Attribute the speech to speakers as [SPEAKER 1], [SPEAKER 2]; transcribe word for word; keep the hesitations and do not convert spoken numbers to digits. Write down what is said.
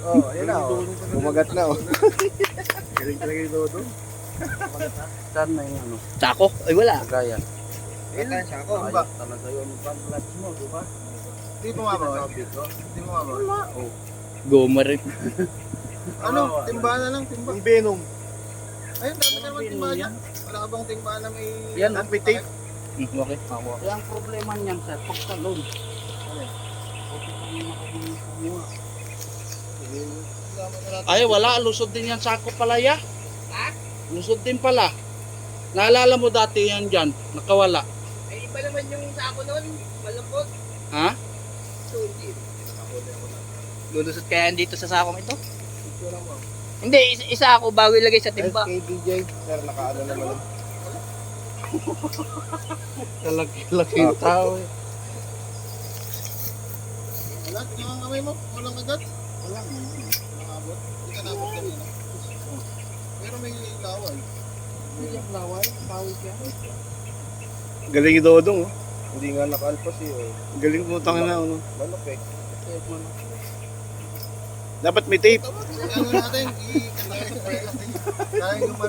[SPEAKER 1] Oh, ayun na. oh.
[SPEAKER 2] Bumagat na oh.
[SPEAKER 1] Galing talaga yung dodo.
[SPEAKER 3] Saan na yung ano?
[SPEAKER 4] Sako? Ay wala.
[SPEAKER 3] Kagayan.
[SPEAKER 1] Ilan siya ako?
[SPEAKER 3] Ayos talaga yun. Pang-clutch mo, di ba?
[SPEAKER 1] Hindi mo nga ba? Hindi mo nga ba?
[SPEAKER 4] Goma rin.
[SPEAKER 1] Ano? Timbahan na lang, timba. Yung Venom. Ayun, dami naman timbahan yan. Wala ka bang timbahan na may...
[SPEAKER 3] Yan,
[SPEAKER 1] at may tape?
[SPEAKER 4] Hmm, okay.
[SPEAKER 3] Kaya ang problema niyan sir, pagtalon. Buti pa rin nakakumuha. Ay, wala. Lusod din yan sa ako pala ya. Ha? Lusod din pala. Naalala mo dati yan dyan, nakawala.
[SPEAKER 5] Ay, iba naman yung sako noon. Malambot.
[SPEAKER 3] Ha?
[SPEAKER 5] Sulit.
[SPEAKER 4] Lulusot kaya dito sa sakong ito? Hindi, isa, isa ako bago ilagay sa timba.
[SPEAKER 1] S K D J. Sir, nakaano naman.
[SPEAKER 3] Laki-laki yung tao eh.
[SPEAKER 1] Wala, tingnan ang kamay mo. Walang agad. Wala. Nakabot. Hindi ka nabot kanina. Pero may laway.
[SPEAKER 3] Hindi yung laway, bawis yan.
[SPEAKER 2] Galing yung dodong oh.
[SPEAKER 1] Hindi nga nakalpas eh. oh.
[SPEAKER 2] Galing mo tanga na ano.
[SPEAKER 1] Manok eh.
[SPEAKER 2] Dapat may tape.
[SPEAKER 1] Ano natin? I- Kaya yung